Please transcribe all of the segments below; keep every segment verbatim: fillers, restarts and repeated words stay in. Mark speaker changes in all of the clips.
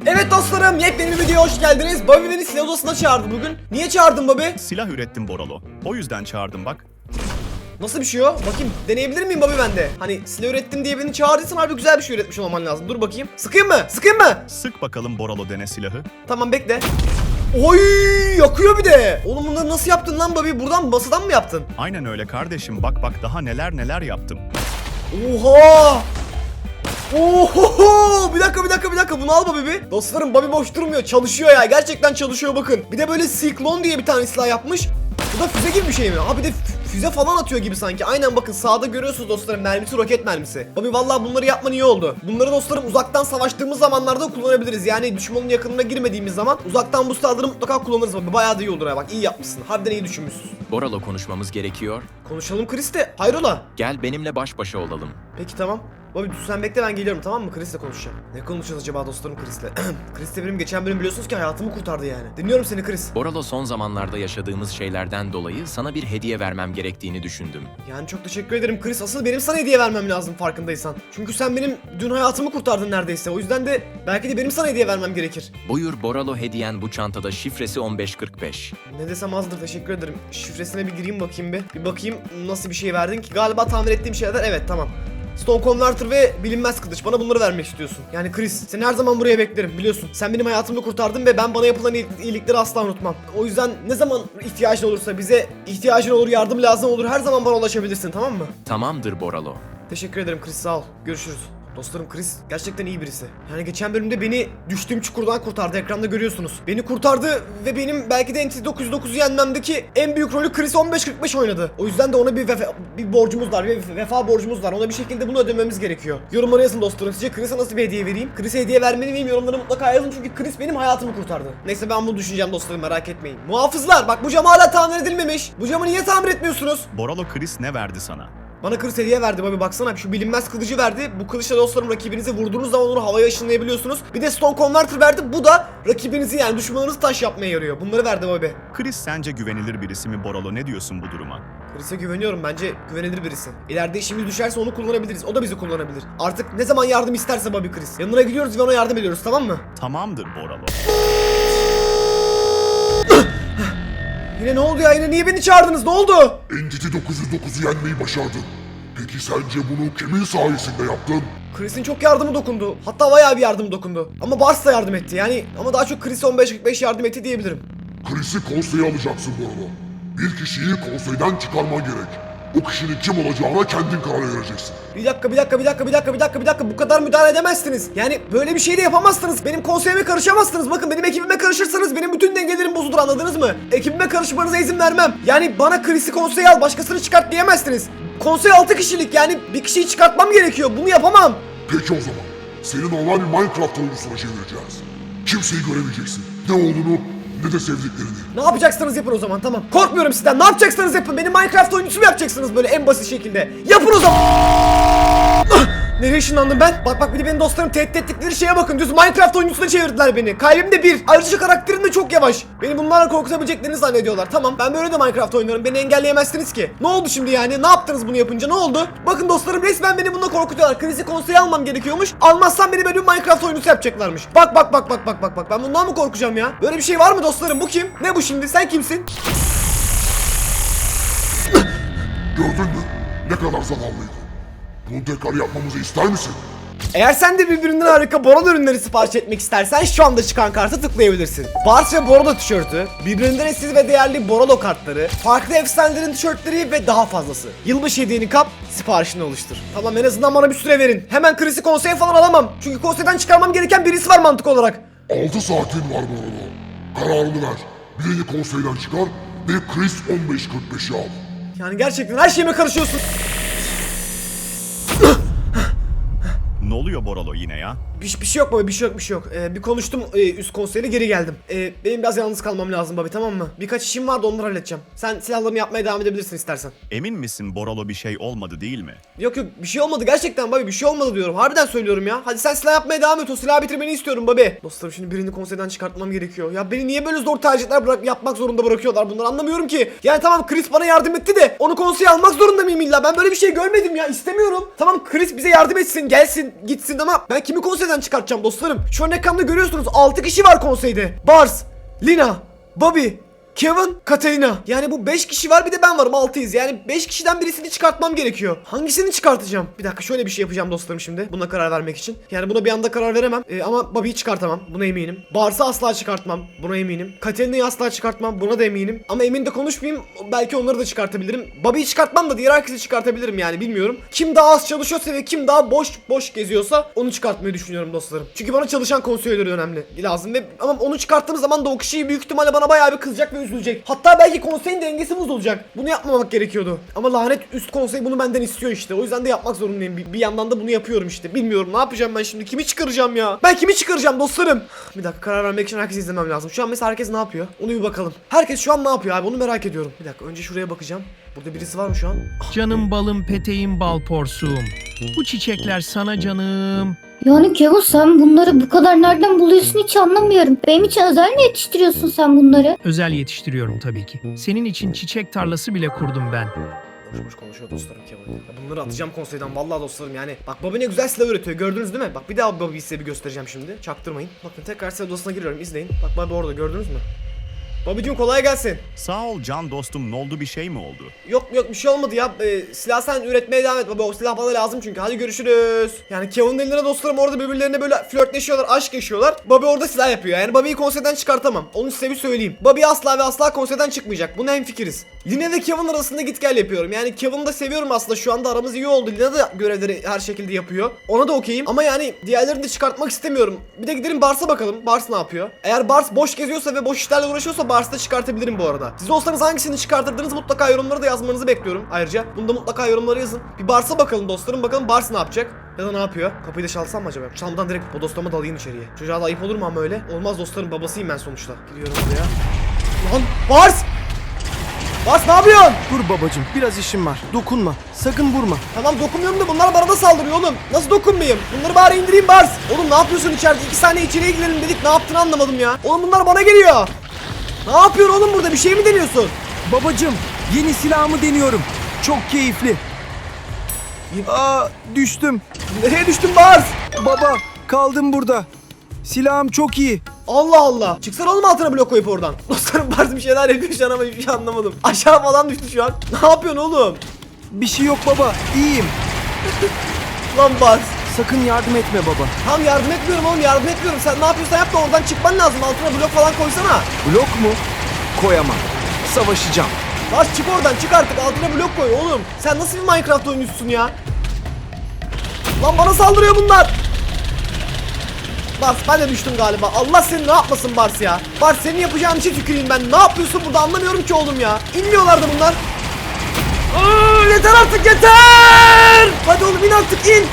Speaker 1: Evet dostlarım, yepyeni bir videoya hoş geldiniz. Bobby beni silah odasına çağırdı bugün. Niye çağırdın Bobby?
Speaker 2: Silah ürettim Boralo. O yüzden çağırdım bak.
Speaker 1: Nasıl bir şey o? Bakayım, deneyebilir miyim Bobby ben de? Hani silah ürettim diye beni çağırdıysan harbi güzel bir şey üretmiş olman lazım. Dur bakayım. Sıkayım mı? Sıkayım mı?
Speaker 2: Sık bakalım Boralo dene silahı.
Speaker 1: Tamam, bekle. Oy, yakıyor bir de. Oğlum bunları nasıl yaptın lan Bobby? Buradan masadan mı yaptın?
Speaker 2: Aynen öyle kardeşim, bak bak daha neler neler yaptım.
Speaker 1: Oha! Oho! Bir dakika bir dakika bir dakika, bunu al Bobby bir. Dostlarım, Bobby boş durmuyor, çalışıyor ya, gerçekten çalışıyor bakın. Bir de böyle Cyclone diye bir tane silah yapmış. Bu da füze gibi bir şey mi? Ha bir de füze falan atıyor gibi sanki. Aynen, bakın sağda görüyorsunuz dostlarım, mermisi roket mermisi. Bobby vallahi bunları yapman iyi oldu. Bunları dostlarım uzaktan savaştığımız zamanlarda kullanabiliriz. Yani düşmanın yakınına girmediğimiz zaman uzaktan bu silahları mutlaka kullanırız Bobby. Bayağı da iyi olur ya, bak iyi yapmışsın. Harbiden iyi düşünmüşsün.
Speaker 3: Boralo, konuşmamız gerekiyor.
Speaker 1: Konuşalım Chris de. Hayrola?
Speaker 3: Gel benimle baş başa olalım.
Speaker 1: Peki tamam. Bobby sen bekle, ben geliyorum, tamam mı? Chris'le konuşacağım. Ne konuşacağız acaba dostlarım Chris'le? Chris de benim geçen bölüm biliyorsunuz ki hayatımı kurtardı yani. Dinliyorum seni Chris.
Speaker 3: Boralo, son zamanlarda yaşadığımız şeylerden dolayı sana bir hediye vermem gerektiğini düşündüm.
Speaker 1: Yani çok teşekkür ederim Chris. Asıl benim sana hediye vermem lazım farkındaysan. Çünkü sen benim dün hayatımı kurtardın neredeyse. O yüzden de belki de benim sana hediye vermem gerekir.
Speaker 3: Buyur Boralo, hediyen bu çantada, şifresi on beş kırk beş.
Speaker 1: Ne desem azdır, teşekkür ederim. Şifresine bir gireyim bakayım bir. Bir bakayım nasıl bir şey verdin ki. Galiba tahmin ettiğim şeyler, evet tamam. Stone Converter ve bilinmez kılıç. Bana bunları vermek istiyorsun. Yani Chris, seni her zaman buraya beklerim, biliyorsun. Sen benim hayatımı kurtardın ve ben bana yapılan iyilikleri asla unutmam. O yüzden ne zaman ihtiyacın olursa, bize ihtiyacın olur, yardım lazım olur, her zaman bana ulaşabilirsin, tamam mı?
Speaker 3: Tamamdır Boralo.
Speaker 1: Teşekkür ederim Chris, sağ ol. Görüşürüz. Dostlarım, Chris gerçekten iyi birisi. Yani geçen bölümde beni düştüğüm çukurdan kurtardı, ekranda görüyorsunuz. Beni kurtardı ve benim belki de N T T dokuz yüz dokuzu yenmemdeki en büyük rolü Chris on beş kırk beş oynadı. O yüzden de ona bir vefa, bir borcumuz var, bir vefa borcumuz var. Ona bir şekilde bunu ödememiz gerekiyor. Yorumlara yazın dostlarım, sizce Chris'e nasıl bir hediye vereyim? Chris'e hediye vermeli miyim? Yorumlara mutlaka yazın, çünkü Chris benim hayatımı kurtardı. Neyse, ben bunu düşüneceğim dostlarım, merak etmeyin. Muhafızlar, bak bu cam hala tamir edilmemiş. Bu camı niye tamir etmiyorsunuz?
Speaker 2: Boralo, Chris ne verdi sana?
Speaker 1: Bana Chris hediye verdi Bobby, baksana şu bilinmez kılıcı verdi. Bu kılıçla dostlarım rakibinizi vurduğunuz zaman onu havaya ışınlayabiliyorsunuz. Bir de Stone Converter verdi. Bu da rakibinizi, yani düşmanınızı taş yapmaya yarıyor. Bunları verdi Bobby.
Speaker 2: Chris sence güvenilir birisi mi Boralo, ne diyorsun bu duruma?
Speaker 1: Chris'e güveniyorum, bence güvenilir birisi. İleride işimiz düşerse onu kullanabiliriz. O da bizi kullanabilir. Artık ne zaman yardım isterse Bobby Chris. Yanına gidiyoruz ve ona yardım ediyoruz, tamam mı?
Speaker 2: Tamamdır Boralo.
Speaker 1: Yine ne oldu ya? Yine niye beni çağırdınız? Ne oldu?
Speaker 4: N T T dokuz yüz dokuzu yenmeyi başardın. Peki sence bunu kimin sayesinde yaptın?
Speaker 1: Chris'in çok yardımı dokundu. Hatta bayağı bir yardımı dokundu. Ama Bars da yardım etti. Yani ama daha çok Chris on beş kırk beş yardım etti diyebilirim.
Speaker 4: Chris'i konseye alacaksın Boralo. Bir kişiyi konseyden çıkarman gerek. O kişinin kim olacağına kendin karar vereceksin.
Speaker 1: Bir dakika bir dakika bir dakika bir dakika bir dakika bir dakika bu kadar müdahale edemezsiniz. Yani böyle bir şey de yapamazsınız. Benim konseyime karışamazsınız. Bakın, benim ekibime karışırsanız benim bütün dengelerim bozulur, anladınız mı? Ekibime karışmanıza izin vermem. Yani bana Chris'i konseye al, başkasını çıkart diyemezsiniz. Konsey altı kişilik, yani bir kişiyi çıkartmam gerekiyor. Bunu yapamam.
Speaker 4: Peki o zaman seni normal bir Minecraft oyuncusuna çevireceğiz. Kimseyi göremeyeceksin. Ne olduğunu ne de sevdiklerini.
Speaker 1: Ne yapacaksınız yapın o zaman, tamam. Korkmuyorum sizden. Ne yapacaksanız yapın. Beni Minecraft oyuncusu mu yapacaksınız böyle en basit şekilde? Yapın o zaman. Nereye ışınlandım ben? Bak bak, bir de benim dostlarım tehdit ettikleri şeye bakın. Düz Minecraft oyuncusuna çevirdiler beni. Kalbim de bir. Ayrıca karakterim de çok yavaş. Beni bunlarla korkutabileceklerini zannediyorlar. Tamam, ben böyle de Minecraft oynuyorum. Beni engelleyemezsiniz ki. Ne oldu şimdi yani? Ne yaptınız bunu yapınca? Ne oldu? Bakın dostlarım, resmen beni bununla korkutuyorlar. Chris'i konseye almam gerekiyormuş. Almazsam beni böyle bir Minecraft oyuncusu yapacaklarmış. Bak bak bak bak bak bak bak. Ben bundan mı korkacağım ya? Böyle bir şey var mı dostlarım? Bu kim? Ne bu şimdi? Sen kimsin?
Speaker 4: Gördün mü? Ne kadar zavallıydı. Bunu tekrar yapmamızı ister misin?
Speaker 1: Eğer sen de birbirinden harika Borolo ürünleri sipariş etmek istersen şu anda çıkan kartı tıklayabilirsin. Bars ve Borolo tişörtü, birbirinden eşsiz ve değerli Borolo kartları, farklı efsanelerin tişörtleri ve daha fazlası. Yılbaşı hediyeni kap, siparişini oluştur. Tamam, en azından bana bir süre verin. Hemen Chris'i konseye falan alamam. Çünkü konseyden çıkarmam gereken birisi var mantık olarak.
Speaker 4: altı saatin var Boralo. Kararını ver. Birini konseyden çıkar ve Chris on beş kırk beşi al.
Speaker 1: Yani gerçekten her şeyime karışıyorsun.
Speaker 2: Ne oluyor Boralo yine ya?
Speaker 1: Bir, bir şey yok baba, bir şey yok bir şey yok. Ee, bir konuştum e, üst konseyle, geri geldim. Ee, benim biraz yalnız kalmam lazım Bobby, tamam mı? Birkaç işim vardı, onları halledeceğim. Sen silahlarını yapmaya devam edebilirsin istersen.
Speaker 2: Emin misin Boralo, bir şey olmadı değil mi?
Speaker 1: Yok yok, bir şey olmadı gerçekten Bobby, bir şey olmadı diyorum. Harbiden söylüyorum ya. Hadi sen silah yapmaya devam et, o silahı bitirmeni istiyorum Bobby. Dostlarım, şimdi birini konseyden çıkartmam gerekiyor. Ya beni niye böyle zor tercihler bırak yapmak zorunda bırakıyorlar, bunları anlamıyorum ki. Yani tamam, Chris bana yardım etti de onu konseye almak zorunda mıyım illa? Ben böyle bir şey görmedim ya, istemiyorum. Tamam, Chris bize yardım etsin, gelsin, gitsin ama ben kimi konseyden çıkartacağım dostlarım? Şu an ekranda görüyorsunuz altı kişi var konseyde. Bars, Lina, Bobby, Kevin, Katerina. Yani bu beş kişi var, bir de ben varım, altıyız. Yani beş kişiden birisini çıkartmam gerekiyor. Hangisini çıkartacağım? Bir dakika, şöyle bir şey yapacağım dostlarım şimdi. Buna karar vermek için. Yani buna bir anda karar veremem. Ee, ama Bobby'yi çıkartamam. Buna eminim. Bars'ı asla çıkartmam. Buna eminim. Katerina'yı asla çıkartmam. Buna da eminim. Ama emin de konuşmayayım. Belki onları da çıkartabilirim. Bobby'yi çıkartmam da diğer herkesi çıkartabilirim yani, bilmiyorum. Kim daha az çalışıyorsa ve kim daha boş boş geziyorsa onu çıkartmayı düşünüyorum dostlarım. Çünkü bana çalışan konseyleri önemli. Lazım ve ama onu çıkarttığım zaman da o kişi büyük ihtimalle bana bayağı bir kızacak ve üzülecek. Hatta belki konseyin dengesi bozulacak. Bunu yapmamak gerekiyordu. Ama lanet üst konsey bunu benden istiyor işte. O yüzden de yapmak zorundayım. Bir, bir yandan da bunu yapıyorum işte. Bilmiyorum ne yapacağım ben şimdi. Kimi çıkaracağım ya? Ben kimi çıkaracağım dostlarım? Bir dakika, karar vermek için herkes izlemem lazım. Şu an mesela herkes ne yapıyor? Onu bir bakalım. Herkes şu an ne yapıyor abi? Onu merak ediyorum. Bir dakika, önce şuraya bakacağım. Burada birisi var mı şu an?
Speaker 5: Canım balım, peteğim, bal porsuğum. Bu çiçekler sana canım.
Speaker 6: Yani Kevin, sen bunları bu kadar nereden buluyorsun hiç anlamıyorum. Benim için özel mi yetiştiriyorsun sen bunları?
Speaker 5: Özel yetiştiriyorum tabii ki. Senin için çiçek tarlası bile kurdum ben.
Speaker 1: Boş boş konuşuyor dostlarım Kevin. Ya bunları atacağım konseyden vallahi dostlarım yani. Bak Bobby ne güzel silah üretiyor, gördünüz değil mi? Bak bir daha Bobby'yi size bir göstereceğim şimdi. Çaktırmayın. Bakın tekrar silah odasına giriyorum, izleyin. Bak Bobby orada, gördünüz mü? Bobby'cim kolay gelsin.
Speaker 2: Sağ ol can dostum, ne oldu, bir şey mi oldu?
Speaker 1: Yok yok, bir şey olmadı ya. Ee, silah sen üretmeye devam et baba. O silah bana lazım çünkü. Hadi görüşürüz. Yani Kevin'in eline dostlarım orada birbirlerine böyle flörtleşiyorlar, aşk yaşıyorlar. Bobby orada silah yapıyor. Yani Bobby'yi konseyden çıkartamam. Onu size bir söyleyeyim. Bobby asla ve asla konseyden çıkmayacak. Buna hemfikiriz. Lina ve Kevin arasında git gel yapıyorum. Yani Kevin'i de seviyorum aslında. Şu anda aramız iyi oldu. Lina da görevleri her şekilde yapıyor. Ona da okeyim. Ama yani diğerlerini de çıkartmak istemiyorum. Bir de gidelim Bars'a bakalım. Bars ne yapıyor? Eğer Bars boş geziyorsa ve boş işlerle uğraşıyorsa Bars'ı da çıkartabilirim bu arada. Siz olsanız hangisini çıkartırdınız mutlaka yorumlara da yazmanızı bekliyorum. Ayrıca bunu da mutlaka yorumlara yazın. Bir Bars'a bakalım dostlarım. Bakalım Bars ne yapacak? Ya da ne yapıyor? Kapıyı da çalsam mı acaba? Çalmadan direkt bodoslama dalayım içeriye. Çocuğa da ayıp olur mu ama öyle? Olmaz dostlarım, babasıyım ben sonuçta. Giriyorum buraya. Lan Bars! Bars ne yapıyorsun?
Speaker 7: Dur babacım, biraz işim var. Dokunma. Sakın vurma.
Speaker 1: Tamam dokunmuyorum da bunlar bana da saldırıyor oğlum. Nasıl dokunmayayım? Bunları bari indireyim Bars. Oğlum ne yapıyorsun içeride? İki saniye içeriye girelim dedik. Ne yaptığını anlamadım ya. Oğlum bunlar bana geliyor. Ne yapıyorsun oğlum burada? Bir şey mi deniyorsun?
Speaker 7: Babacım, yeni silahımı deniyorum. Çok keyifli. Aa, düştüm.
Speaker 1: Nereye düştün Bars?
Speaker 7: Baba, kaldım burada. Silahım çok iyi.
Speaker 1: Allah Allah. Çıksana oğlum altına blok koyup oradan. Dostlarım Bars bir şeyler yapıyor şu an ama hiçbir şey anlamadım. Aşağı falan düştü şu an. Ne yapıyorsun oğlum?
Speaker 7: Bir şey yok baba, iyiyim.
Speaker 1: Lan Bars.
Speaker 7: Sakın yardım etme baba.
Speaker 1: Tamam yardım etmiyorum oğlum, yardım etmiyorum. Sen ne yapıyorsan yap da oradan çıkman lazım. Altına blok falan koysana.
Speaker 7: Blok mu? Koyamam. Savaşacağım.
Speaker 1: Bars çık oradan, çık artık. Altına blok koy oğlum. Sen nasıl bir Minecraft oyuncusun ya? Lan bana saldırıyor bunlar. Bars ben de düştüm galiba. Allah seni ne yapmasın Bars ya. Bars senin yapacağın işe tüküreyim ben. Ne yapıyorsun burada anlamıyorum ki oğlum ya. İnmiyorlardı bunlar. Aa, yeter artık yeter. Hadi oğlum in artık in.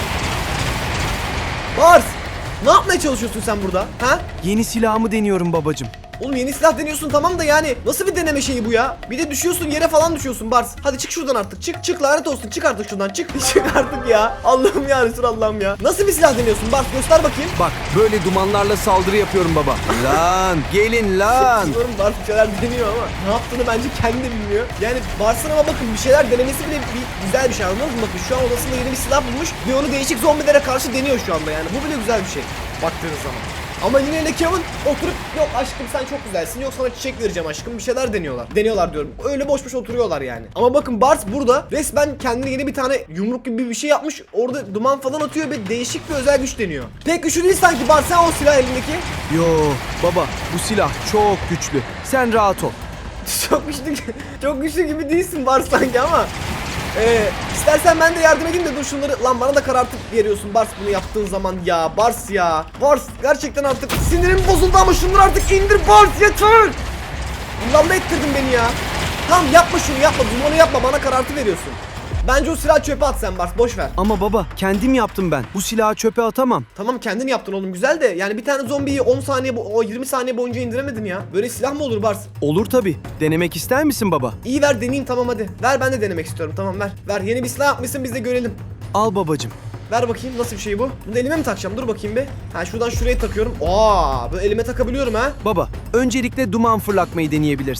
Speaker 1: Bars ne yapmaya çalışıyorsun sen burada? Ha?
Speaker 7: Yeni silahımı deniyorum babacım.
Speaker 1: Oğlum yeni silah deniyorsun tamam da yani nasıl bir deneme şeyi bu ya? Bir de düşüyorsun yere falan düşüyorsun Bars. Hadi çık şuradan artık. Çık çık lanet olsun. Çık artık şuradan. Çık. Çık artık ya. Allah'ım ya Resulallah'ım ya. Nasıl bir silah deniyorsun Bars? Göster bakayım.
Speaker 7: Bak, böyle dumanlarla saldırı yapıyorum baba. Lan, gelin lan.
Speaker 1: Biliyorum Bars bir şeyler deniyor ama ne yaptığını bence kendi de bilmiyor. Yani Bars'ın ama bakın bir şeyler denemesi bile bir, güzel bir şey anladınız mı? Bakın şu an odasında yeni bir silah bulmuş ve onu değişik zombilere karşı deniyor şu anda yani. Bu bile güzel bir şey baktığınız zaman. Ama yine de Kevin oturup yok aşkım sen çok güzelsin, yok sana çiçek vereceğim aşkım, bir şeyler deniyorlar. Deniyorlar diyorum. Öyle boş boş oturuyorlar yani. Ama bakın Bars burada resmen kendine yeni bir tane yumruk gibi bir şey yapmış. Orada duman falan atıyor ve değişik bir özel güç deniyor. Pek güçlü değil sanki Bars, sen o silah elindeki.
Speaker 7: Yo baba, bu silah çok güçlü. Sen rahat ol.
Speaker 1: Çok güçlü, çok güçlü gibi değilsin Bars sanki ama. Ee, istersen ben de yardım edeyim de dur şunları. Lan bana da karartıp veriyorsun Bars bunu yaptığın zaman ya. Bars ya. Bars gerçekten artık sinirim bozuldu ama şunları artık indir Bars yeter. Bundan da ettirdin beni ya. Tamam yapma şunu yapma. Dumanı yapma, bana karartı veriyorsun. Bence o silahı çöpe at sen Bars, boş ver.
Speaker 7: Ama baba, kendim yaptım ben. Bu silahı çöpe atamam.
Speaker 1: Tamam kendin yaptın oğlum güzel de yani bir tane zombiyi on saniye o yirmi saniye boyunca indiremedin ya. Böyle silah mı olur Bars?
Speaker 7: Olur tabi. Denemek ister misin baba?
Speaker 1: İyi ver deneyeyim tamam hadi. Ver ben de denemek istiyorum tamam ver. Ver yeni bir silah yapmışsın biz de görelim.
Speaker 7: Al babacım.
Speaker 1: Ver bakayım nasıl bir şey bu? Bunu da elime mi takacağım? Dur bakayım bir. Ha şuradan şuraya takıyorum. Aa, böyle elime takabiliyorum ha.
Speaker 7: Baba, öncelikle duman fırlatmayı deneyebilirsin.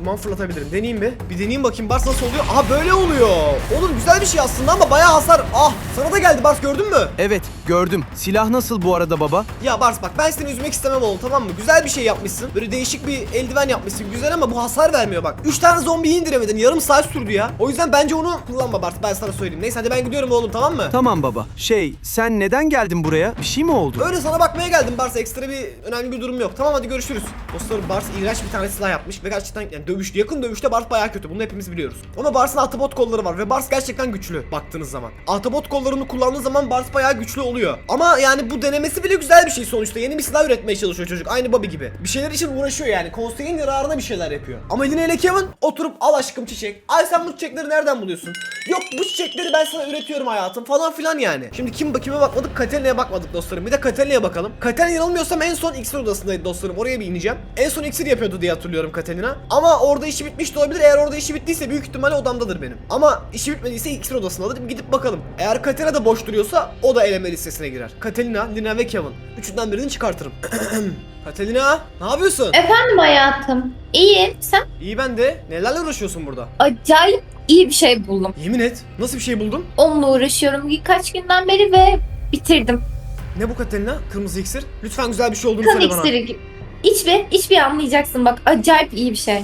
Speaker 1: Duman fırlatabilirim. Deneyeyim bir. Bir deneyeyim bakayım Bars nasıl oluyor. Aha böyle oluyor. Olur, güzel bir şey aslında ama bayağı hasar. Ah, sana da geldi Bars, gördün mü?
Speaker 7: Evet gördüm. Silah nasıl bu arada baba?
Speaker 1: Ya Bars bak, ben seni üzmek istemem oğlum, tamam mı? Güzel bir şey yapmışsın. Böyle değişik bir eldiven yapmışsın. Güzel ama bu hasar vermiyor bak. üç tane zombiyi indiremedin. Yarım saat sürdü ya. O yüzden bence onu kullanma Bars. Ben sana söyleyeyim. Neyse hadi ben gidiyorum oğlum, tamam mı?
Speaker 7: Tamam baba. Şey sen neden geldin buraya? Bir şey mi oldu?
Speaker 1: Öyle sana bakmaya geldim Bars. Ekstra bir önemli bir durum yok. Tamam hadi görüşürüz. Dostlarım, Bars iğrenç bir tane silah yapmış ve gerçekten yani dövüş, yakın dövüşte Bars bayağı kötü. Bunu hepimiz biliyoruz. Ama Bars'ın ahtapot kolları var ve Bars gerçekten güçlü baktığınız zaman. Ahtapot kollarını kullandığı zaman Bars bayağı güçlü oluyor. Ama yani bu denemesi bile güzel bir şey sonuçta. Yeni bir silah üretmeye çalışıyor çocuk. Aynı Bobby gibi. Bir şeyler için uğraşıyor yani. Konseyin yararına bir şeyler yapıyor. Ama Lina ile Kevin oturup al aşkım çiçek. Ay sen bu çiçekleri nereden buluyorsun? Yok bu çiçekleri ben sana üretiyorum hayatım falan filan yani. Şimdi kim kime bakmadık? Katalina'ya bakmadık dostlarım. Bir de Katalina'ya bakalım. Katalina yanılmıyorsam en son iksir odasındaydı dostlarım. Oraya bir ineceğim. En son iksir yapıyordu diye hatırlıyorum Katalina. Ama orada işi bitmiş de olabilir. Eğer orada işi bittiyse büyük ihtimalle odamdadır benim. Ama işi bitmediyse iksir odasındadır. Gidip bakalım. Eğer Katalina da boş duruyorsa o da eleme listesine girer. Katalina, Lina ve Kevin. Üçünden birini çıkartırım. Katalina, ne yapıyorsun?
Speaker 6: Efendim hayatım. İyi. Sen
Speaker 1: İyi, ben de. Nelerle uğraşıyorsun burada?
Speaker 6: acayip iyi bir şey buldum.
Speaker 1: Yemin et. Nasıl bir şey buldun?
Speaker 6: Onunla uğraşıyorum birkaç günden beri ve bitirdim.
Speaker 1: Ne bu Katalina? Kırmızı iksir. Lütfen güzel bir şey olduğunu
Speaker 6: Kan
Speaker 1: söyle bana.
Speaker 6: iksiri gibi. İç bir, iç bir anlayacaksın bak. Acayip iyi bir şey.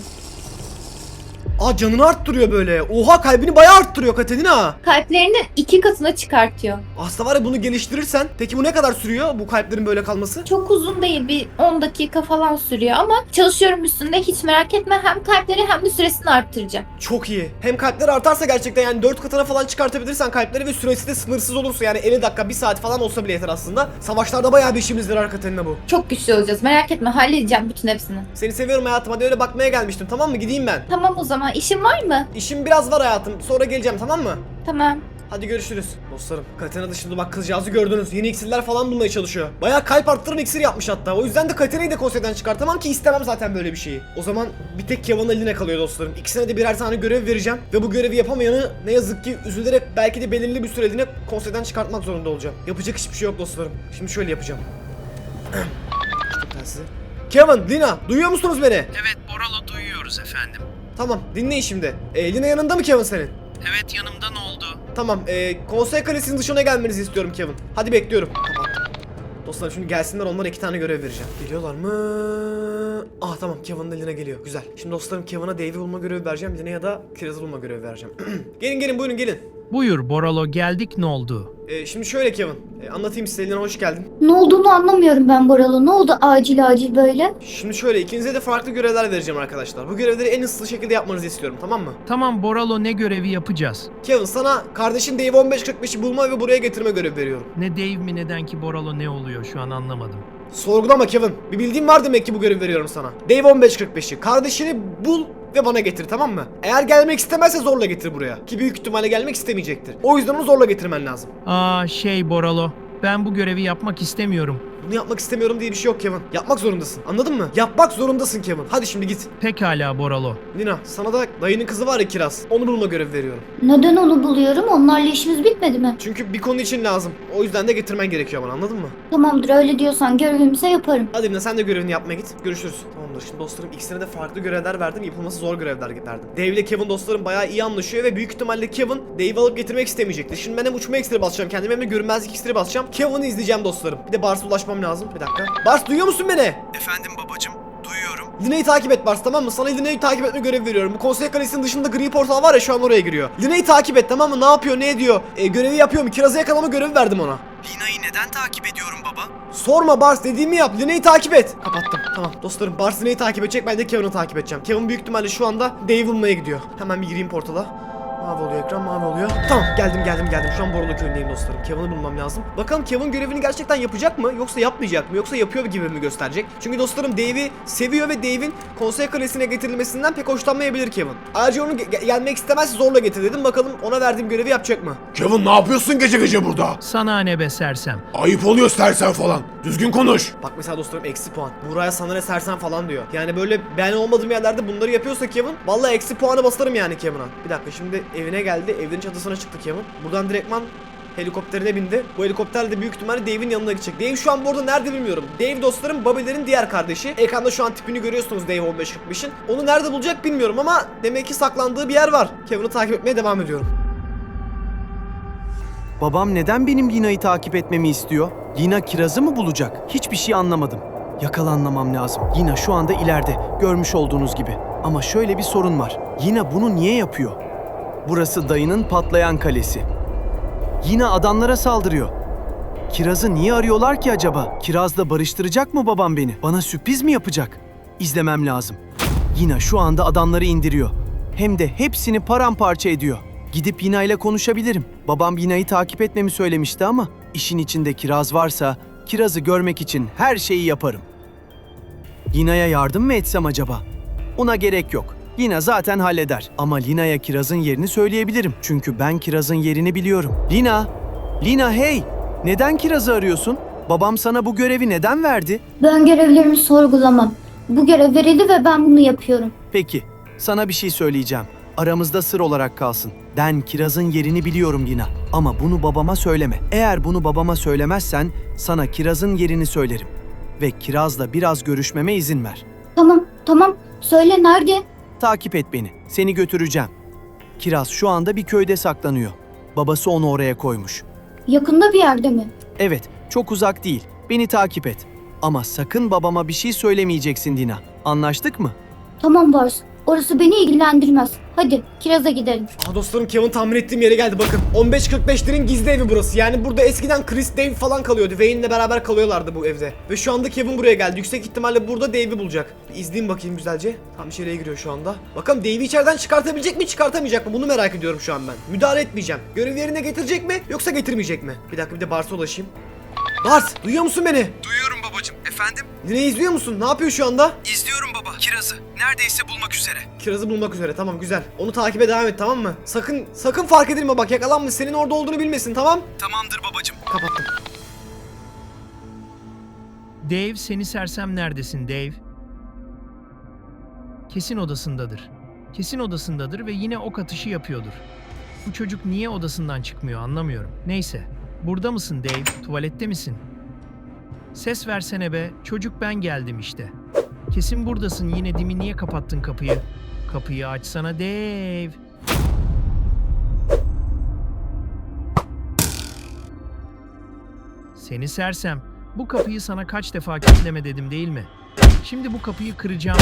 Speaker 1: Aa, canını arttırıyor böyle. Oha, kalbini bayağı arttırıyor Katalina.
Speaker 6: Kalplerini iki katına çıkartıyor.
Speaker 1: Aslında var ya, bunu geliştirirsen. Peki bu ne kadar sürüyor, bu kalplerin böyle kalması?
Speaker 6: Çok uzun değil, bir on dakika falan sürüyor ama çalışıyorum üstünde, hiç merak etme, hem kalpleri hem de süresini arttıracağım.
Speaker 1: Çok iyi. Hem kalpler artarsa gerçekten yani dört katına falan çıkartabilirsen kalpleri ve süresi de sınırsız olursa yani elli dakika bir saat falan olsa bile yeter aslında. Savaşlarda bayağı bir işimiz yarar Katalina bu.
Speaker 6: Çok güçlü olacağız, merak etme, halledeceğim bütün hepsini.
Speaker 1: Seni seviyorum hayatım, hadi öyle bakmaya gelmiştim, tamam mı? Gideyim ben.
Speaker 6: Tamam o zaman, işin var mı?
Speaker 1: İşim biraz var hayatım, sonra geleceğim, tamam mı?
Speaker 6: Tamam.
Speaker 1: Hadi görüşürüz. Dostlarım, Katerina dışında bak, kızcağızı gördünüz. Yeni iksirler falan bulmaya çalışıyor. Bayağı kalp arttıran iksir yapmış hatta. O yüzden de Katerina'yı da konseyden çıkartamam ki, istemem zaten böyle bir şeyi. O zaman bir tek Kevin'la Lina kalıyor dostlarım. İkisine de birer tane görev vereceğim. Ve bu görevi yapamayanı ne yazık ki üzülerek belki de belirli bir süreliğine konseyden çıkartmak zorunda olacağım. Yapacak hiçbir şey yok dostlarım. Şimdi şöyle yapacağım. Açtım telsizi. Kevin, Lina, duyuyor musunuz beni?
Speaker 5: Evet Boralo, duyuyoruz efendim.
Speaker 1: Tamam, dinleyin şimdi. Ee, Lina yanında mı Kevin senin?
Speaker 5: Evet, yanımda ne oldu?
Speaker 1: Tamam, e, konsey kalesinin dışına gelmenizi istiyorum Kevin. Hadi bekliyorum. Kapattım. Dostlar şimdi gelsinler, onlara iki tane görev vereceğim. Geliyorlar mı? Ah tamam, Kevin'la Lina geliyor. Güzel. Şimdi dostlarım, Kevin'a Dave'i bulma görevi vereceğim. Lina'ya da Kiraz'ı bulma görevi vereceğim. Gelin gelin, buyurun gelin.
Speaker 5: Buyur Boralo, geldik, ne oldu?
Speaker 1: E, şimdi şöyle Kevin. E, anlatayım size, Lina hoş geldin.
Speaker 6: Ne olduğunu anlamıyorum ben Boralı. Ne oldu acil acil böyle?
Speaker 1: Şimdi şöyle, ikinize de farklı görevler vereceğim arkadaşlar. Bu görevleri en hızlı şekilde yapmanızı istiyorum, tamam mı?
Speaker 5: Tamam Boralo, ne görevi yapacağız?
Speaker 1: Kevin, sana kardeşin Dave on beş kırk beşi bulma ve buraya getirme görevi veriyorum.
Speaker 5: Ne Dave mi, neden ki Boralo, ne oluyor şu an anlamadım.
Speaker 1: Sorgulama Kevin. Bir bildiğin var demek ki bu görevi veriyorum sana. Dave on beş kırk beşi. Kardeşini bul ve bana getir, tamam mı? Eğer gelmek istemezse zorla getir buraya. Ki büyük ihtimalle gelmek istemeyecektir. O yüzden onu zorla getirmen lazım.
Speaker 5: Aa şey Boralo, ben bu görevi yapmak istemiyorum.
Speaker 1: Bunu yapmak istemiyorum diye bir şey yok Kevin. Yapmak zorundasın. Anladın mı? Yapmak zorundasın Kevin. Hadi şimdi git.
Speaker 5: Pekala Boralo.
Speaker 1: Lina, sana da dayının kızı var ya, Kiraz. Onu bulma görevi veriyorum.
Speaker 6: Neden onu buluyorum? Onlarla işimiz bitmedi mi?
Speaker 1: Çünkü bir konu için lazım. O yüzden de getirmen gerekiyor bana, anladın mı?
Speaker 6: Tamamdır, öyle diyorsan görevimize yaparım.
Speaker 1: Hadi Lina, sen de görevini yapmaya git. Görüşürüz. Tamamdır. Şimdi dostlarım, ikisine de farklı görevler verdim. Yapılması zor görevler verdim. Dave ile Kevin dostlarım bayağı iyi anlaşıyor ve büyük ihtimalle Kevin Dave'i alıp getirmek istemeyecektir. Şimdi ben hem uçma iksiri basacağım kendime, hem de görünmezlik iksiri basacağım. Kevin'i izleyeceğim dostlarım. Bir de Bars'a ulaşmam lazım. Bir dakika. Bars, duyuyor musun beni?
Speaker 7: Efendim babacım, duyuyorum.
Speaker 1: Lina'yı takip et Bars, tamam mı? Sana Lina'yı takip etme görevi veriyorum. Bu konsey kalesinin dışında gri portal var ya, şu an oraya giriyor. Lina'yı takip et, tamam mı? Ne yapıyor, ne ediyor? E, görevi yapıyor mu? Kiraz'ı yakalama görevi verdim ona.
Speaker 7: Lina'yı neden takip ediyorum baba?
Speaker 1: Sorma Bars, dediğimi yap. Lina'yı takip et. Kapattım. Tamam dostlarım, Bars Lina'yı takip edecek. Ben de Kevin'i takip edeceğim. Kevin büyük ihtimalle şu anda Dave bulmaya gidiyor. Hemen bir gireyim portala. Mavi oluyor ekran, mavi oluyor. Tamam, geldim geldim geldim. Şu an Borolo köyündeyim dostlarım. Kevin'i bulmam lazım. Bakalım Kevin görevini gerçekten yapacak mı? Yoksa yapmayacak mı? Yoksa yapıyor gibi mi gösterecek? Çünkü dostlarım Dave'i seviyor ve Dave'in konsey kalesine getirilmesinden pek hoşlanmayabilir Kevin. Ayrıca onu ge- gelmek istemezse zorla getir dedim. Bakalım ona verdiğim görevi yapacak mı?
Speaker 4: Kevin, ne yapıyorsun gece gece burada?
Speaker 5: Sana ne be sersem.
Speaker 4: Ayıp oluyor sersen falan. Düzgün konuş.
Speaker 1: Bak mesela dostlarım, eksi puan. Buraya sana ne sersen falan diyor. Yani böyle ben olmadığım yerlerde bunları yapıyorsa Kevin, vallahi eksi puanı basarım yani Kevin'a. Bir dakika, şimdi evine geldi. Evinin çatısına çıktı Kevin. Buradan direktman helikopterine bindi. Bu helikopterle de büyük ihtimalle Dave'in yanına gidecek. Dave şu an bu arada nerede bilmiyorum. Dave dostlarım Bobby'lerin diğer kardeşi. Ekranda şu an tipini görüyorsunuz Dave on beş kırk beşin. Onu nerede bulacak bilmiyorum ama demek ki saklandığı bir yer var. Kevin'i takip etmeye devam ediyorum.
Speaker 7: Babam neden benim Lina'yı takip etmemi istiyor? Lina kirazı mı bulacak? Hiçbir şey anlamadım. Yakalanmamam lazım. Lina şu anda ileride, görmüş olduğunuz gibi. Ama şöyle bir sorun var. Lina bunu niye yapıyor? Burası dayının patlayan kalesi. Lina adamlara saldırıyor. Kiraz'ı niye arıyorlar ki acaba? Kiraz'la barıştıracak mı babam beni? Bana sürpriz mi yapacak? İzlemem lazım. Lina şu anda adamları indiriyor. Hem de hepsini paramparça ediyor. Gidip Lina ile konuşabilirim. Babam Lina'yı takip etmemi söylemişti ama işin içinde Kiraz varsa Kiraz'ı görmek için her şeyi yaparım. Lina'ya yardım mı etsem acaba? Ona gerek yok. Lina zaten halleder. Ama Lina'ya Kiraz'ın yerini söyleyebilirim. Çünkü ben Kiraz'ın yerini biliyorum. Lina! Lina hey! Neden Kiraz'ı arıyorsun? Babam sana bu görevi neden verdi?
Speaker 8: Ben görevlerimi sorgulamam. Bu görev verildi ve ben bunu yapıyorum.
Speaker 7: Peki, sana bir şey söyleyeceğim. Aramızda sır olarak kalsın. Ben Kiraz'ın yerini biliyorum Lina. Ama bunu babama söyleme. Eğer bunu babama söylemezsen sana Kiraz'ın yerini söylerim. Ve Kiraz'la biraz görüşmeme izin ver.
Speaker 8: Tamam, tamam. Söyle nerede?
Speaker 7: Takip et beni. Seni götüreceğim. Kiraz şu anda bir köyde saklanıyor. Babası onu oraya koymuş.
Speaker 8: Yakında bir yerde mi?
Speaker 7: Evet, çok uzak değil. Beni takip et. Ama sakın babama bir şey söylemeyeceksin Lina. Anlaştık mı?
Speaker 8: Tamam Bars. Orası beni ilgilendirmez. Hadi Kiraz'a gidelim.
Speaker 1: Aa dostlarım Kevin tahmin ettiğim yere geldi bakın. on beş kırk beşlerin gizli evi burası. Yani burada eskiden Chris, Dave falan kalıyordu. Wayne'le beraber kalıyorlardı bu evde. Ve şu anda Kevin buraya geldi. Yüksek ihtimalle burada Dave'i bulacak. Bir izleyeyim bakayım güzelce. Tam içeriye giriyor şu anda. Bakalım Dave'i içeriden çıkartabilecek mi çıkartamayacak mı? Bunu merak ediyorum şu an ben. Müdahale etmeyeceğim. Görev yerine getirecek mi yoksa getirmeyecek mi? Bir dakika bir de Bars'a ulaşayım. Bars duyuyor musun beni?
Speaker 7: Duyuyorum babacığım. Efendim?
Speaker 1: Line'yi izliyor musun? Ne yapıyor şu anda?
Speaker 7: İzliyorum baba. Kiraz'ı. Neredeyse bulmak üzere.
Speaker 1: Kiraz'ı bulmak üzere tamam güzel. Onu takibe devam et tamam mı? Sakın sakın fark edilme bak yakalanma senin orada olduğunu bilmesin tamam?
Speaker 7: Tamamdır babacığım.
Speaker 1: Kapattım.
Speaker 5: Dave, seni sersem neredesin Dave? Kesin odasındadır. Kesin odasındadır ve yine ok atışı yapıyordur. Bu çocuk niye odasından çıkmıyor anlamıyorum. Neyse. Burada mısın Dave? Tuvalette misin? Ses versene be. Çocuk ben geldim işte. Kesin buradasın. Yine dimi niye kapattın kapıyı? Kapıyı açsana Dave. Seni sersem. Bu kapıyı sana kaç defa kilitleme dedim değil mi? Şimdi bu kapıyı kıracağım.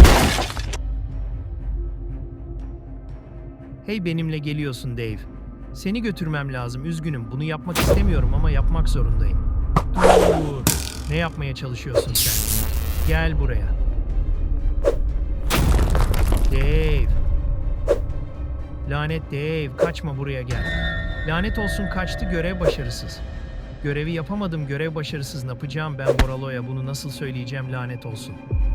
Speaker 5: Hey benimle geliyorsun Dave. Seni götürmem lazım. Üzgünüm. Bunu yapmak istemiyorum ama yapmak zorundayım. Dur. Ne yapmaya çalışıyorsun sen? Gel buraya. Dave. Lanet Dave. Kaçma buraya gel. Lanet olsun kaçtı. Görev başarısız. Görevi yapamadım. Görev başarısız. Ne yapacağım ben Boralo'ya? Bunu nasıl söyleyeceğim? Lanet olsun.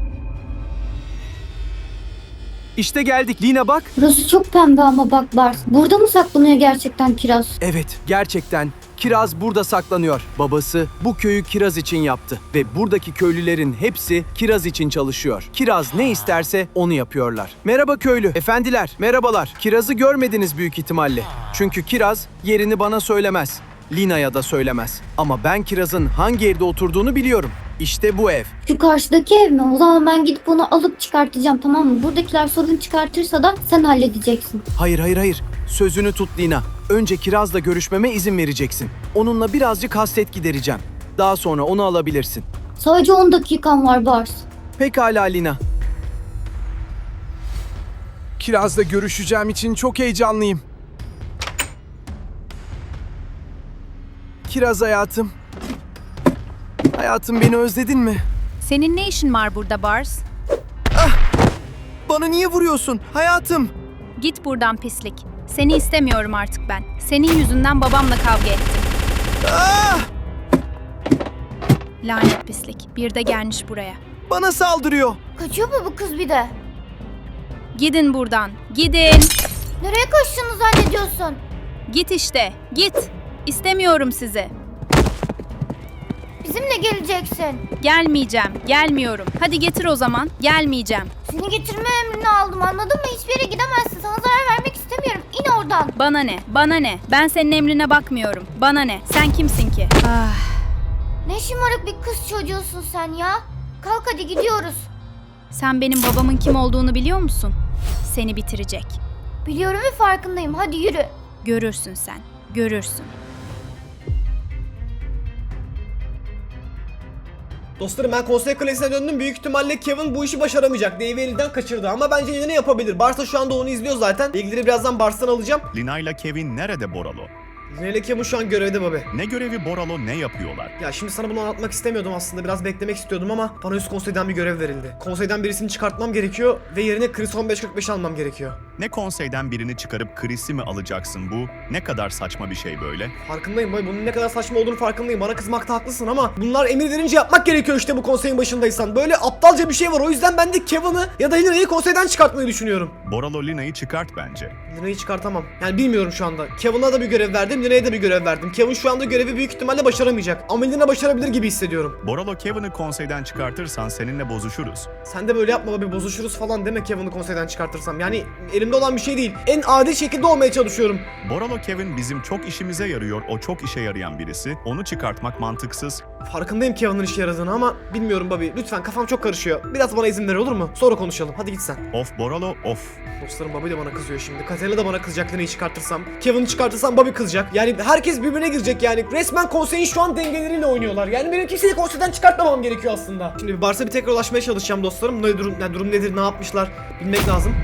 Speaker 7: İşte geldik. Lina bak.
Speaker 8: Burası çok pembe ama bak Bars. Burada mı saklanıyor gerçekten Kiraz?
Speaker 7: Evet, gerçekten. Kiraz burada saklanıyor. Babası bu köyü Kiraz için yaptı. Ve buradaki köylülerin hepsi Kiraz için çalışıyor. Kiraz ne isterse onu yapıyorlar. Merhaba köylü. Efendiler, merhabalar. Kiraz'ı görmediniz büyük ihtimalle. Çünkü Kiraz yerini bana söylemez. Lina'ya da söylemez. Ama ben Kiraz'ın hangi evde oturduğunu biliyorum. İşte bu ev.
Speaker 8: Şu karşıdaki ev mi? O zaman ben gidip onu alıp çıkartacağım tamam mı? Buradakiler sorun çıkartırsa da sen halledeceksin.
Speaker 7: Hayır hayır hayır. Sözünü tut Lina. Önce Kiraz'la görüşmeme izin vereceksin. Onunla birazcık hasret gidereceğim. Daha sonra onu alabilirsin.
Speaker 8: Sadece on dakikan var Bars.
Speaker 7: Pekala Lina.
Speaker 9: Kiraz'la görüşeceğim için çok heyecanlıyım.
Speaker 7: Kiraz hayatım. Hayatım beni özledin mi?
Speaker 10: Senin ne işin var burada Bars?
Speaker 7: Bana niye vuruyorsun? Hayatım.
Speaker 10: Git buradan pislik. Seni istemiyorum artık ben. Senin yüzünden babamla kavga ettim.
Speaker 7: Ah!
Speaker 10: Lanet pislik. Bir de gelmiş buraya.
Speaker 7: Bana saldırıyor.
Speaker 8: Kaçıyor mu bu kız bir de?
Speaker 10: Gidin buradan. Gidin.
Speaker 8: Nereye kaçtığını zannediyorsun?
Speaker 10: Git işte. Git. İstemiyorum sizi.
Speaker 8: Bizi Bizimle geleceksin.
Speaker 10: Gelmeyeceğim, gelmiyorum. Hadi getir o zaman. Gelmeyeceğim.
Speaker 8: Seni getirme emrini aldım, anladın mı? Hiçbir yere gidemezsin. Sana zarar vermek istemiyorum. İn oradan.
Speaker 10: Bana ne? Bana ne? Ben senin emrine bakmıyorum. Bana ne? Sen kimsin ki? Ah.
Speaker 8: Ne şımarık bir kız çocuğusun sen ya. Kalk hadi gidiyoruz.
Speaker 10: Sen benim babamın kim olduğunu biliyor musun? Seni bitirecek.
Speaker 8: Biliyorum ve farkındayım. Hadi yürü.
Speaker 10: Görürsün sen. Görürsün.
Speaker 1: Dostlarım ben konsey kalesine döndüm. Büyük ihtimalle Kevin bu işi başaramayacak. Dave'i elinden kaçırdı ama bence yine ne yapabilir? Barsa şu anda onu izliyor zaten. Bilgileri birazdan Bars'tan alacağım.
Speaker 2: Lina ile Kevin nerede Boralo?
Speaker 1: Lina ile Kevin şu an görevde babi.
Speaker 2: Ne görevi Boralo, ne yapıyorlar?
Speaker 1: Ya şimdi sana bunu anlatmak istemiyordum aslında. Biraz beklemek istiyordum ama bana üst konseyden bir görev verildi. Konseyden birisini çıkartmam gerekiyor ve yerine Chris on beş kırk beş almam gerekiyor.
Speaker 2: Ne konseyden birini çıkarıp Chris'i mi alacaksın bu? Ne kadar saçma bir şey böyle.
Speaker 1: Farkındayım boy. Bunun ne kadar saçma olduğunu farkındayım. Bana kızmakta haklısın ama bunlar emir verince yapmak gerekiyor işte bu konseyin başındaysan. Böyle aptalca bir şey var. O yüzden ben de Kevin'ı ya da Lina'yı konseyden çıkartmayı düşünüyorum.
Speaker 2: Boralo Lina'yı çıkart bence.
Speaker 1: Lina'yı çıkartamam. Yani bilmiyorum şu anda. Kevin'a da bir görev verdim, Lina'ya da bir görev verdim. Kevin şu anda görevi büyük ihtimalle başaramayacak. Ama Lina başarabilir gibi hissediyorum.
Speaker 2: Boralo Kevin'i konseyden çıkartırsan seninle bozuşuruz.
Speaker 1: Sen de böyle yapma bir bozuşuruz falan deme Kevin'i konseyden çıkartırsam. Yani elimde olan bir şey değil. En adil şekilde olmaya çalışıyorum.
Speaker 2: Boralo Kevin bizim çok işimize yarıyor. O çok işe yarayan birisi. Onu çıkartmak mantıksız.
Speaker 1: Farkındayım Kevin'in işe yaradığını ama bilmiyorum Bobby. Lütfen kafam çok karışıyor. Biraz bana izin ver olur mu? Sonra konuşalım. Hadi git sen.
Speaker 2: Of Boralo of.
Speaker 1: Dostlarım Bobby de bana kızıyor şimdi. Katerina da bana kızacak Lina'yı çıkartırsam. Kevin'i çıkartırsam Bobby kızacak. Yani herkes birbirine girecek yani. Resmen konseyin şu an dengeleriyle oynuyorlar. Yani benim kimseyi konseyden çıkartmamam gerekiyor aslında. Şimdi bir Bars'a bir tekrar ulaşmaya çalışacağım dostlarım. Ne durum, ne durum nedir, ne yapmışlar bilmek lazım.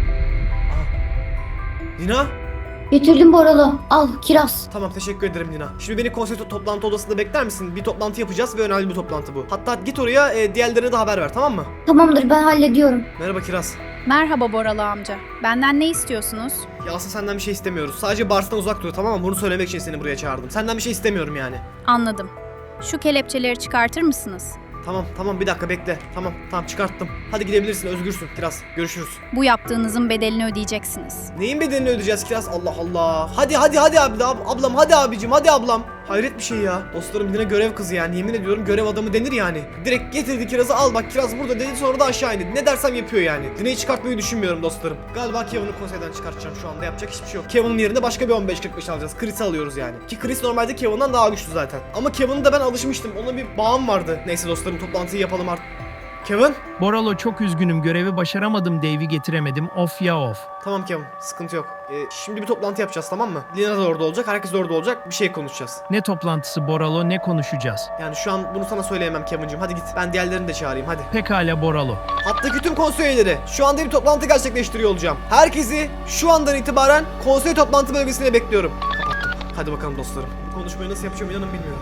Speaker 1: Aha. Lina?
Speaker 8: Getirdim Boralo. Al kiraz.
Speaker 1: Tamam teşekkür ederim Lina. Şimdi beni konsey to- toplantı odasında bekler misin? Bir toplantı yapacağız ve önemli bir toplantı bu. Hatta git oraya e, diğerlerine de haber ver tamam mı?
Speaker 8: Tamamdır, ben hallediyorum.
Speaker 1: Merhaba Kiraz.
Speaker 10: Merhaba Boralı amca. Benden ne istiyorsunuz?
Speaker 1: Ya aslında senden bir şey istemiyoruz. Sadece Bars'tan uzak dur tamam mı? Bunu söylemek için seni buraya çağırdım. Senden bir şey istemiyorum yani.
Speaker 10: Anladım. Şu kelepçeleri çıkartır mısınız?
Speaker 1: Tamam tamam bir dakika bekle. Tamam tamam çıkarttım. Hadi gidebilirsin özgürsün Kiraz. Görüşürüz.
Speaker 10: Bu yaptığınızın bedelini ödeyeceksiniz.
Speaker 1: Neyin bedelini ödeyeceğiz Kiraz? Allah Allah. Hadi hadi hadi abi ab- ablam hadi abicim hadi ablam. Hayret bir şey ya. Dostlarım yine görev kızı yani. Yemin ediyorum görev adamı denir yani. Direkt getirdi Kiraz'ı al bak Kiraz burada dedi sonra da aşağı indi. Ne dersem yapıyor yani. Dine'yi çıkartmayı düşünmüyorum dostlarım. Galiba Kevin'i konseyden çıkartacağım şu anda yapacak hiçbir şey yok. Kevin'in yerine başka bir on beş kırk beş alacağız. Chris'i alıyoruz yani. Ki Chris normalde Kevin'den daha güçlü zaten. Ama Kevin'e de ben alışmıştım. Ona bir bağım vardı. Neyse dostlarım toplantıyı yapalım artık. Kevin?
Speaker 5: Boralo çok üzgünüm. Görevi başaramadım. Dave'i getiremedim. Of ya of.
Speaker 1: Tamam Kevin sıkıntı yok. Ee, şimdi bir toplantı yapacağız tamam mı? Lina da orada olacak. Herkes de orada olacak. Bir şey konuşacağız.
Speaker 5: Ne toplantısı Boralo, ne konuşacağız?
Speaker 1: Yani şu an bunu sana söyleyemem Kevin'cim. Hadi git. Ben diğerlerini de çağırayım hadi.
Speaker 5: Pekala Boralo.
Speaker 1: Hattaki tüm konsey üyeleri şu anda bir toplantı gerçekleştiriyor olacağım. Herkesi şu andan itibaren konsey toplantı bölgesine bekliyorum. Kapattım. Hadi bakalım dostlarım. Bu konuşmayı nasıl yapacağım inanın bilmiyorum.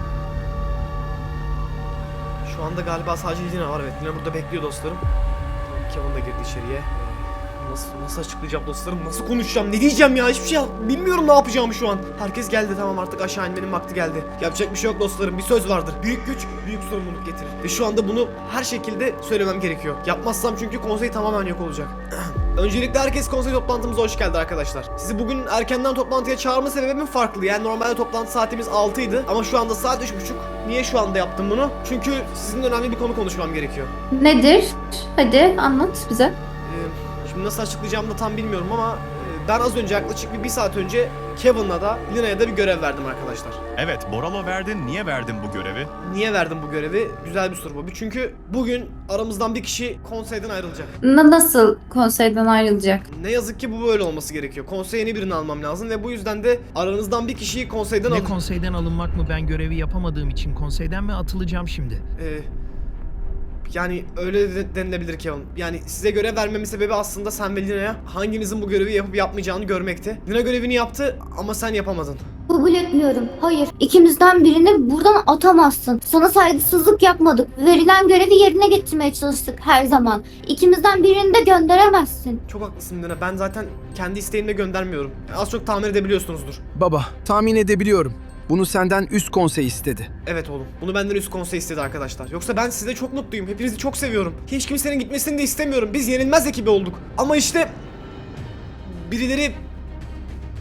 Speaker 1: Şu anda galiba sadece Lina var evet. Lina burada bekliyor dostlarım. Tamam, Kevin de girdi içeriye. Ee, Nasıl, nasıl açıklayacağım dostlarım? Nasıl konuşacağım? Ne diyeceğim ya? Hiçbir şey bilmiyorum ne yapacağımı şu an. Herkes geldi tamam artık aşağı inmenin vakti geldi. Yapacak bir şey yok dostlarım. Bir söz vardır. Büyük güç büyük sorumluluk getirir. Ve şu anda bunu her şekilde söylemem gerekiyor. Yapmazsam çünkü konsey tamamen yok olacak. Öncelikle herkes konsey toplantımıza hoş geldi arkadaşlar. Sizi bugün erkenden toplantıya çağırma sebebim farklı. Yani normalde toplantı saatimiz altı idi ama şu anda saat üç buçuk. Niye şu anda yaptım bunu? Çünkü sizinle önemli bir konu konuşmam gerekiyor.
Speaker 6: Nedir? Hadi anlat bize.
Speaker 1: Ee, şimdi nasıl açıklayacağımı da tam bilmiyorum ama e, ben az önce yaklaşık bir, bir saat önce Kevin'la da Lina'ya da bir görev verdim arkadaşlar.
Speaker 2: Evet Boralo verdin. Niye verdin bu görevi?
Speaker 1: Niye verdim bu görevi? Güzel bir soru bu. Çünkü bugün aramızdan bir kişi konseyden ayrılacak.
Speaker 6: Na- nasıl konseyden ayrılacak?
Speaker 1: Ne yazık ki bu böyle olması gerekiyor. Konseye yeni birini almam lazım ve bu yüzden de aranızdan bir kişiyi konseyden
Speaker 5: Ne
Speaker 1: alacağım.
Speaker 5: konseyden alınmak mı? Ben görevi yapamadığım için konseyden mi atılacağım şimdi?
Speaker 1: Ee, yani öyle de denilebilir Kevin. Yani size görev vermemin sebebi aslında sen ve Lina'ya hanginizin bu görevi yapıp yapmayacağını görmekti. Lina görevini yaptı ama sen yapamadın.
Speaker 8: Kabul etmiyorum. Hayır. İkimizden birini buradan atamazsın. Sana saygısızlık yapmadık. Verilen görevi yerine getirmeye çalıştık her zaman. İkimizden birini de gönderemezsin.
Speaker 1: Çok haklısın Lina. Ben zaten kendi isteğimle göndermiyorum. Az çok tahmin edebiliyorsunuzdur.
Speaker 9: Baba, tahmin edebiliyorum. Bunu senden üst konsey istedi.
Speaker 1: Evet oğlum. Bunu benden üst konsey istedi arkadaşlar. Yoksa ben size çok mutluyum. Hepinizi çok seviyorum. Hiç kimsenin gitmesini de istemiyorum. Biz yenilmez ekibi olduk. Ama işte birileri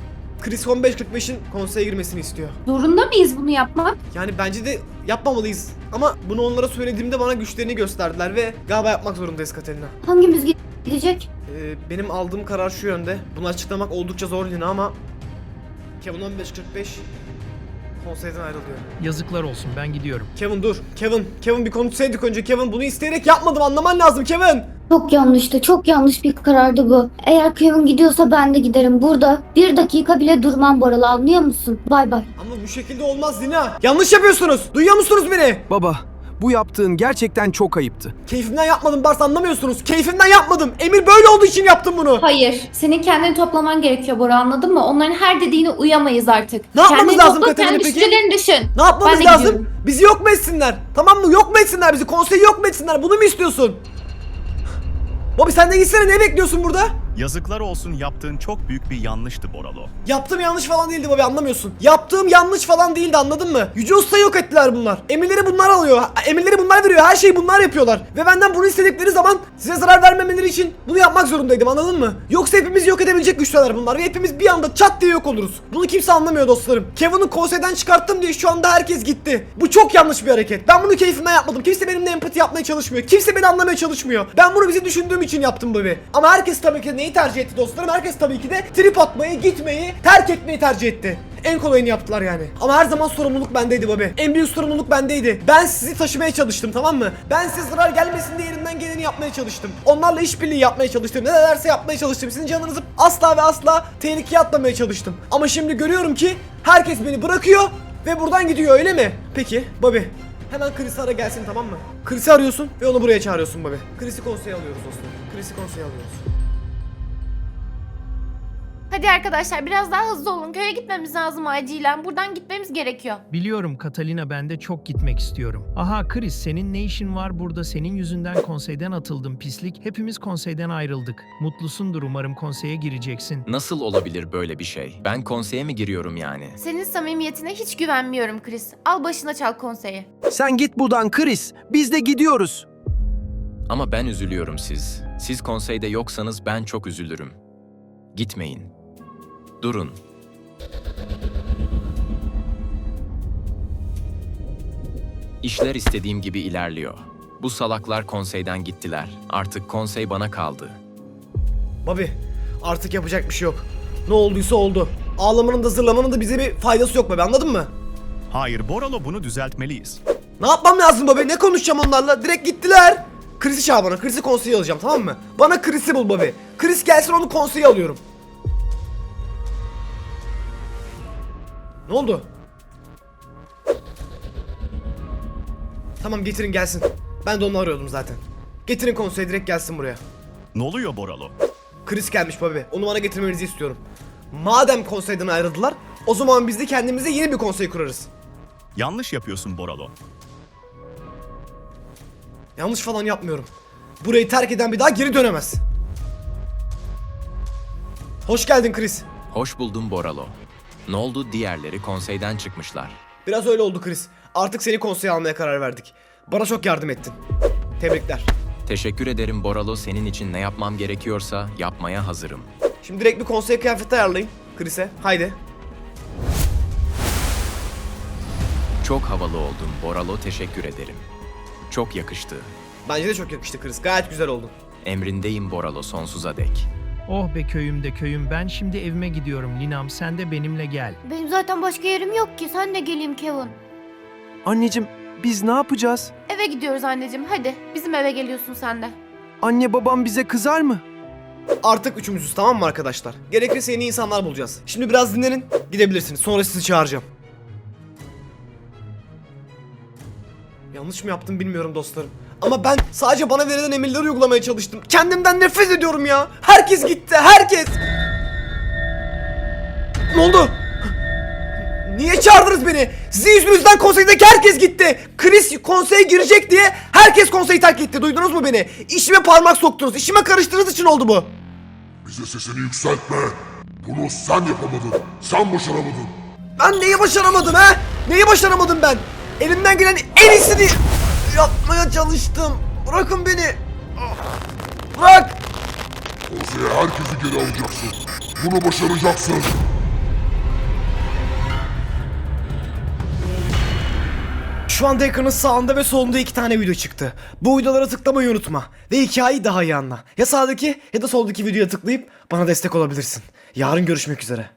Speaker 1: Chris on beş kırk beşin konseye girmesini istiyor.
Speaker 6: Zorunda mıyız bunu yapmak?
Speaker 1: Yani bence de yapmamalıyız. Ama bunu onlara söylediğimde bana güçlerini gösterdiler ve galiba yapmak zorundayız Katerina.
Speaker 8: Hangimiz gidecek?
Speaker 1: Ee, benim aldığım karar şu yönde. Bunu açıklamak oldukça zor Lina ama Kevin on beş kırk beş konseyden ayrılıyor.
Speaker 5: Yazıklar olsun, ben gidiyorum.
Speaker 1: Kevin dur. Kevin. Kevin bir konuşsaydık önce. Kevin bunu isteyerek yapmadım. Anlaman lazım Kevin.
Speaker 8: Çok yanlıştı. Çok yanlış bir karardı bu. Eğer Kevin gidiyorsa ben de giderim. Burada bir dakika bile durmam Boralı, anlıyor musun? Bay bay.
Speaker 1: Ama bu şekilde olmaz Lina. Yanlış yapıyorsunuz. Duyuyor musunuz beni?
Speaker 9: Baba, bu yaptığın gerçekten çok ayıptı.
Speaker 1: Keyfimden yapmadım Bars, anlamıyorsunuz. Keyfimden yapmadım. Emir böyle olduğu için yaptım bunu.
Speaker 6: Hayır. Senin kendini toplaman gerekiyor Bora, anladın mı? Onların her dediğine uyamayız artık.
Speaker 1: Ne yapmamız
Speaker 6: Kendini
Speaker 1: lazım
Speaker 6: topla,
Speaker 1: Katerina
Speaker 6: kendi
Speaker 1: peki?
Speaker 6: düşüncelerini düşün.
Speaker 1: Ne yapmamız
Speaker 6: Ben de
Speaker 1: lazım?
Speaker 6: gidiyorum.
Speaker 1: Bizi yok mu etsinler? Tamam mı? Yok mu etsinler bizi? Konseyi yok mu etsinler? Bunu mu istiyorsun? Bobby sen de gitsene, ne bekliyorsun burada?
Speaker 2: Yazıklar olsun, yaptığın çok büyük bir yanlıştı Boralo.
Speaker 1: Yaptığım yanlış falan değildi Bobby, anlamıyorsun. Yaptığım yanlış falan değildi, anladın mı? Yüce Usta'yı yok ettiler bunlar. Emirleri bunlar alıyor. Emirleri bunlar veriyor. Her şeyi bunlar yapıyorlar. Ve benden bunu istedikleri zaman size zarar vermemeleri için bunu yapmak zorundaydım, anladın mı? Yoksa hepimizi yok edebilecek güçler bunlar ve hepimiz bir anda çat diye yok oluruz. Bunu kimse anlamıyor dostlarım. Kevin'i konseyden çıkarttım diye şu anda herkes gitti. Bu çok yanlış bir hareket. Ben bunu keyfimden yapmadım. Kimse benimle empati yapmaya çalışmıyor. Kimse beni anlamaya çalışmıyor. Ben bunu bizi düşündüğüm için yaptım Bobby. Ama herkes tabii ki neyi tercih etti dostlarım? Herkes tabii ki de trip atmayı, gitmeyi, terk etmeyi tercih etti. En kolayını yaptılar yani. Ama her zaman sorumluluk bendeydi Bobby. En büyük sorumluluk bendeydi. Ben sizi taşımaya çalıştım, tamam mı? Ben size zarar gelmesin diye elimden geleni yapmaya çalıştım. Onlarla işbirliği yapmaya çalıştım. Ne derse yapmaya çalıştım. Sizin canınızı asla ve asla tehlikeye atmamaya çalıştım. Ama şimdi görüyorum ki herkes beni bırakıyor ve buradan gidiyor, öyle mi? Peki Bobby, hemen Chris'i ara gelsin, tamam mı? Chris'i arıyorsun ve onu buraya çağırıyorsun Bobby. Chris'i konseye alıyoruz dostum. Chris'i konseye alıyoruz.
Speaker 11: Hadi arkadaşlar biraz daha hızlı olun. Köye gitmemiz lazım acilen. Buradan gitmemiz gerekiyor.
Speaker 5: Biliyorum Catalina, ben de çok gitmek istiyorum. Aha Chris, senin ne işin var burada? Senin yüzünden konseyden atıldım pislik. Hepimiz konseyden ayrıldık. Mutlusundur umarım, konseye gireceksin.
Speaker 3: Nasıl olabilir böyle bir şey? Ben konseye mi giriyorum yani?
Speaker 11: Senin samimiyetine hiç güvenmiyorum Chris. Al başına çal konseyi.
Speaker 9: Sen git buradan Chris. Biz de gidiyoruz.
Speaker 3: Ama ben üzülüyorum siz. Siz konseyde yoksanız ben çok üzülürüm. Gitmeyin. Durun. İşler istediğim gibi ilerliyor. Bu salaklar konseyden gittiler. Artık konsey bana kaldı.
Speaker 1: Bobby, artık yapacak bir şey yok. Ne olduysa oldu. Ağlamanın da zırlamanın da bize bir faydası yok Bobby, anladın mı?
Speaker 2: Hayır Boralo, bunu düzeltmeliyiz.
Speaker 1: Ne yapmam lazım Bobby? Ne konuşacağım onlarla? Direkt gittiler. Chris'i çağır bana. Chris'i konseye alacağım, tamam mı? Bana Chris'i bul Bobby. Chris gelsin, onu konseye alıyorum. Ne oldu? Tamam, getirin gelsin. Ben de onu arıyordum zaten. Getirin konseye, direkt gelsin buraya.
Speaker 2: Ne oluyor Boralo?
Speaker 1: Chris gelmiş Bobby. Onu bana getirmenizi istiyorum. Madem konseyden ayrıldılar, o zaman biz de kendimize yeni bir konsey kurarız.
Speaker 2: Yanlış yapıyorsun Boralo.
Speaker 1: Yanlış falan yapmıyorum. Burayı terk eden bir daha geri dönemez. Hoş geldin Chris.
Speaker 3: Hoş buldum Boralo. Ne oldu, diğerleri konseyden çıkmışlar.
Speaker 1: Biraz öyle oldu Chris. Artık seni konseye almaya karar verdik. Bana çok yardım ettin. Tebrikler.
Speaker 3: Teşekkür ederim Boralo, senin için ne yapmam gerekiyorsa yapmaya hazırım.
Speaker 1: Şimdi direkt bir konsey kıyafeti ayarlayın Chris'e. Haydi.
Speaker 3: Çok havalı oldun Boralo, teşekkür ederim. Çok yakıştı.
Speaker 1: Bence de çok yakıştı Chris. Gayet güzel oldun.
Speaker 3: Emrindeyim Boralo, sonsuza dek.
Speaker 5: Oh be köyüm de köyüm, ben şimdi evime gidiyorum. Linam, sen de benimle gel.
Speaker 8: Benim zaten başka yerim yok ki. Sen de geleyim Kevin.
Speaker 9: Anneciğim, biz ne yapacağız?
Speaker 11: Eve gidiyoruz anneciğim. Hadi bizim eve geliyorsun sen de.
Speaker 9: Anne babam bize kızar mı?
Speaker 1: Artık üçümüzüz, tamam mı arkadaşlar? Gerekirse yeni insanlar bulacağız. Şimdi biraz dinlenin. Gidebilirsiniz. Sonra sizi çağıracağım. Yanlış mı yaptım bilmiyorum dostlarım. Ama ben sadece bana verilen emirleri uygulamaya çalıştım. Kendimden nefret ediyorum ya. Herkes gitti, herkes. Ne oldu? Niye çağırdınız beni? Sizin yüzünüzden konseydeki herkes gitti. Chris konseye girecek diye herkes konseyi terk etti. Duydunuz mu beni? İşime parmak soktunuz. İşime karıştığınız için oldu bu.
Speaker 4: Bize sesini yükseltme. Bunu sen yapamadın. Sen başaramadın.
Speaker 1: Ben neyi başaramadım ha? Neyi başaramadım ben? Elimden gelen en iyisini yapmaya çalıştım. Bırakın beni. Bırak.
Speaker 4: Konseye herkesi geri alacaksın. Bunu başaracaksın.
Speaker 1: Şu anda ekranın sağında ve solunda iki tane video çıktı. Bu videolara tıklamayı unutma. Ve hikayeyi daha iyi anla. Ya sağdaki ya da soldaki videoya tıklayıp bana destek olabilirsin. Yarın görüşmek üzere.